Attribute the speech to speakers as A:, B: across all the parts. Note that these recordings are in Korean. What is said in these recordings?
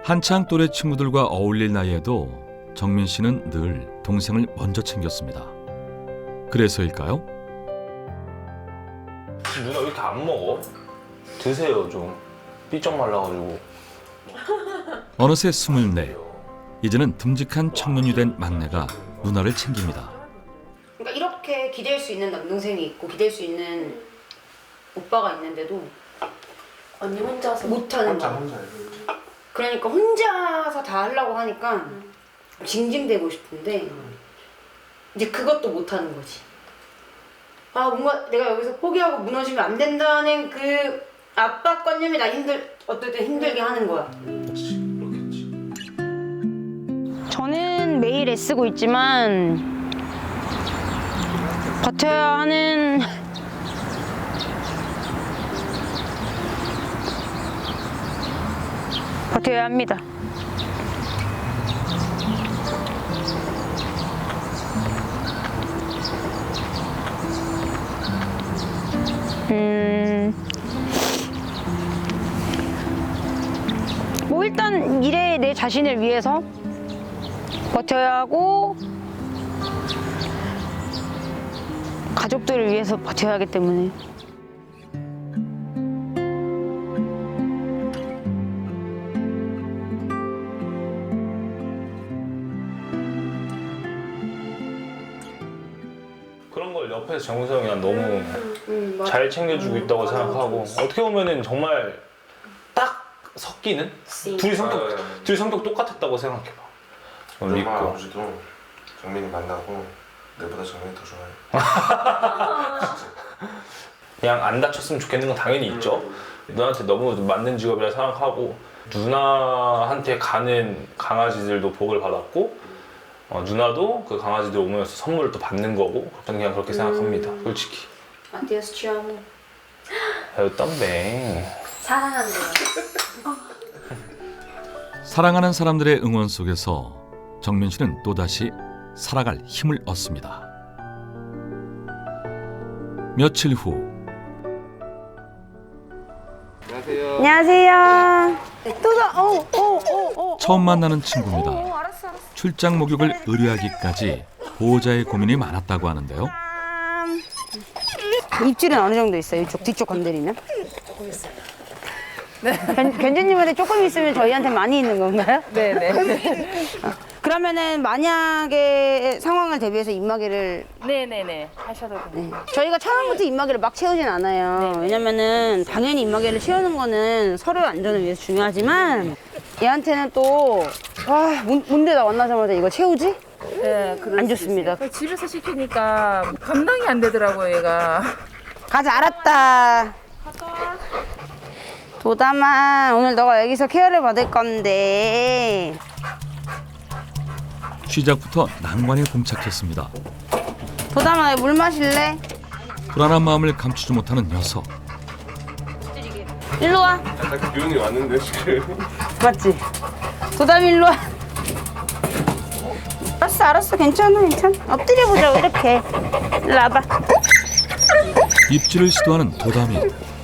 A: 한창 또래 친구들과 어울릴 나이에도 정민 씨는 늘 동생을 먼저 챙겼습니다. 그래서일까요?
B: 누나 왜 이렇게 안 먹어? 드세요 좀. 삐쩍 말라가지고.
A: 어느새 24. 이제는 듬직한 청년이 된 막내가 누나를 챙깁니다.
C: 그러니까 이렇게 기댈 수 있는 남동생이 있고 기댈 수 있는 오빠가 있는데도
D: 언니 혼자서
C: 못하는 거야. 그러니까 혼자서 다 하려고 하니까 징징대고 싶은데 이제 그것도 못하는 거지. 아 뭔가 내가 여기서 포기하고 무너지면 안 된다는 그 압박관념이 나 어쨌든 힘들게 하는 거야. 저는 매일 애쓰고 있지만 버텨야 하는 버텨야 합니다. 뭐 일단 미래의 내 자신을 위해서 버텨야 하고 가족들을 위해서 버텨야 하기 때문에
B: 그런 걸 옆에서 정우성이 난 너무 잘 챙겨주고 있다고 생각하고 어떻게 보면은 정말 딱 섞이는? 둘이 성격 똑같았다고 생각해봐.
E: 엄마
B: 믿고.
E: 아버지도 정민이 만나고 내보다 정민이 더 좋아해.
B: 그냥 안 다쳤으면 좋겠는 건 당연히 있죠. 누나한테 너무 맞는 직업이라 생각하고 누나한테 가는 강아지들도 복을 받았고 누나도 그 강아지들 오면서 선물을 또 받는 거고 저는 그냥 그렇게 생각합니다. 솔직히.
C: 아디오스 치아모.
B: 땀뱅.
D: 사랑한대요.
A: 사랑하는 사람들의 응원 속에서 정민 씨는 또다시 살아갈 힘을 얻습니다. 며칠 후
C: 안녕하세요.
A: 처음 만나는 친구입니다. 출장 목욕을 의뢰하기까지 보호자의 고민이 많았다고 하는데요.
C: 입질은 어느 정도 있어요? 이쪽 뒤쪽 건드리면? 견주님한테 조금 있으면 저희한테 많이 있는 건가요?
D: 네네.
C: 그러면은 만약에 상황을 대비해서 입마개를
D: 네네네. 하셔도 돼요.
C: 저희가 처음부터 입마개를 막 채우진 않아요. 왜냐면은 당연히 입마개를 채우는 거는 서로의 안전을 위해서 중요하지만 얘한테는 또 뭔데 나 만나자마자 이거 채우지?
D: 네,
C: 안 좋습니다.
D: 집에서 시키니까 감당이 안 되더라고요, 얘가.
C: 가자, 알았다. 도담아, 오늘 너가 여기서 케어를 받을 건데.
A: 시작부터 난관에 봉착했습니다.
C: 도담아, 물 마실래?
A: 불안한 마음을 감추지 못하는 녀석.
C: 일로 와.
E: 딱 기운이 왔는데 지금.
C: 맞지? 도담 일로 와. 알았어, 괜찮아. 엎드려보자고, 이렇게. 일로 와봐.
A: 입질을 시도하는 도담이.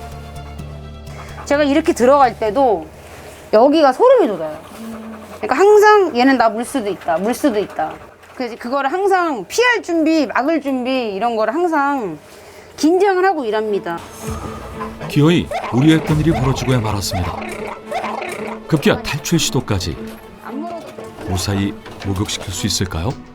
C: 제가 이렇게 들어갈 때도 여기가 소름이 돋아요. 그러니까 항상 얘는 나 물 수도 있다. 그래서 그거를 항상 피할 준비, 막을 준비 이런 거를 항상 긴장을 하고 일합니다.
A: 기어이 우려했던 일이 벌어지고야 말았습니다. 급기야 탈출 시도까지.
C: 안 물어도
A: 무사히 목욕시킬 수 있을까요?